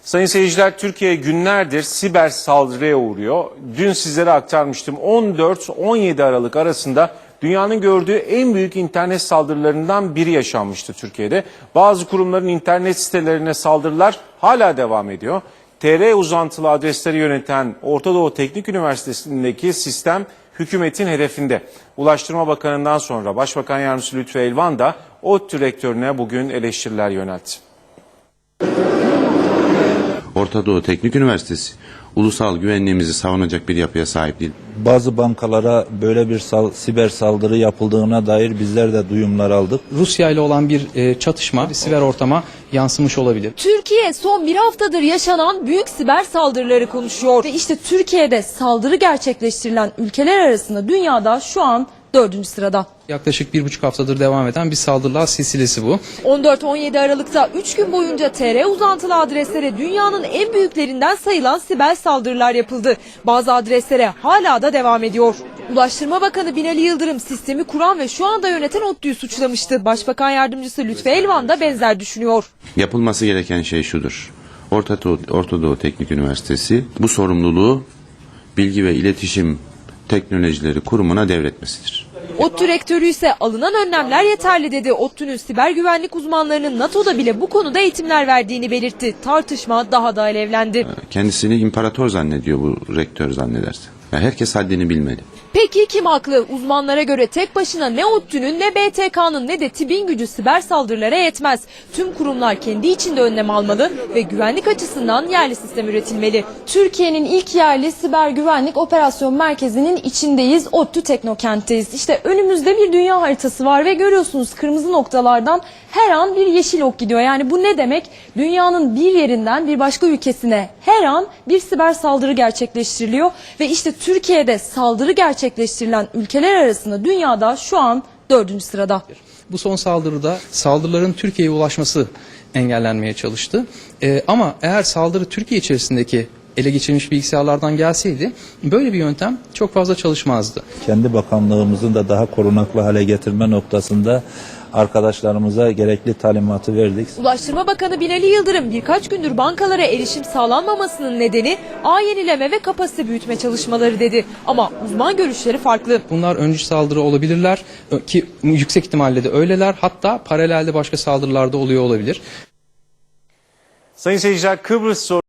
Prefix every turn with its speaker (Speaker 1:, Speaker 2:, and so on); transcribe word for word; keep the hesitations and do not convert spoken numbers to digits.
Speaker 1: Sayın seyirciler, Türkiye günlerdir siber saldırıya uğruyor. Dün sizlere aktarmıştım. on dört on yedi Aralık arasında dünyanın gördüğü en büyük internet saldırılarından biri yaşanmıştı Türkiye'de. Bazı kurumların internet sitelerine saldırılar hala devam ediyor. T R uzantılı adresleri yöneten Orta Doğu Teknik Üniversitesi'ndeki sistem hükümetin hedefinde. Ulaştırma Bakanı'ndan sonra Başbakan Yardımcısı Lütfü Elvan da ODTÜ rektörüne bugün eleştiriler yöneltti.
Speaker 2: Orta Doğu Teknik Üniversitesi ulusal güvenliğimizi savunacak bir yapıya sahip değil.
Speaker 3: Bazı bankalara böyle bir sal, siber saldırı yapıldığına dair bizler de duyumlar aldık.
Speaker 4: Rusya ile olan bir e, çatışma siber ortama yansımış olabilir.
Speaker 5: Türkiye son bir haftadır yaşanan büyük siber saldırıları konuşuyor. Ve işte Türkiye'de saldırı gerçekleştirilen ülkeler arasında dünyada şu an dördüncü sırada.
Speaker 4: Yaklaşık bir buçuk haftadır devam eden bir saldırılar silsilesi bu.
Speaker 5: on dört on yedi Aralık'ta üç gün boyunca T R uzantılı adreslere dünyanın en büyüklerinden sayılan siber saldırılar yapıldı. Bazı adreslere hala da devam ediyor. Ulaştırma Bakanı Binali Yıldırım sistemi kuran ve şu anda yöneten ODTÜ'yü suçlamıştı. Başbakan Yardımcısı Lütfü Elvan da benzer düşünüyor.
Speaker 2: Yapılması gereken şey şudur. Orta Doğu, Orta Doğu Teknik Üniversitesi bu sorumluluğu Bilgi ve İletişim Teknolojileri Kurumu'na devretmesidir.
Speaker 5: ODTÜ rektörü ise alınan önlemler yeterli dedi. ODTÜ'nün siber güvenlik uzmanlarının NATO'da bile bu konuda eğitimler verdiğini belirtti. Tartışma daha da alevlendi.
Speaker 2: Kendisini imparator zannediyor bu rektör zannederse. Yani herkes haddini bilmeli.
Speaker 5: Peki kim haklı? Uzmanlara göre tek başına ne ODTÜ'nün ne B T K'nın ne de TİB'in gücü siber saldırılara yetmez. Tüm kurumlar kendi içinde önlem almalı ve güvenlik açısından yerli sistem üretilmeli.
Speaker 6: Türkiye'nin ilk yerli siber güvenlik operasyon merkezinin içindeyiz. ODTÜ Teknokent'teyiz. İşte önümüzde bir dünya haritası var ve görüyorsunuz kırmızı noktalardan her an bir yeşil ok gidiyor. Yani bu ne demek? Dünyanın bir yerinden bir başka ülkesine her an bir siber saldırı gerçekleştiriliyor ve işte Türkiye'de saldırı gerçekleştirilen ülkeler arasında dünyada şu an dördüncü sırada.
Speaker 4: Bu son saldırıda saldırıların Türkiye'ye ulaşması engellenmeye çalıştı. Ee, ama eğer saldırı Türkiye içerisindeki ele geçirilmiş bilgisayarlardan gelseydi böyle bir yöntem çok fazla çalışmazdı.
Speaker 3: Kendi bakanlığımızın da daha korunaklı hale getirme noktasında arkadaşlarımıza gerekli talimatı verdik.
Speaker 5: Ulaştırma Bakanı Binali Yıldırım birkaç gündür bankalara erişim sağlanmamasının nedeni ağ yenileme ve kapasite büyütme çalışmaları dedi. Ama uzman görüşleri farklı.
Speaker 4: Bunlar öncü saldırı olabilirler ki yüksek ihtimalle de öyleler. Hatta paralelde başka saldırılar da oluyor olabilir.
Speaker 1: Sayın seyirciler, Kıbrıs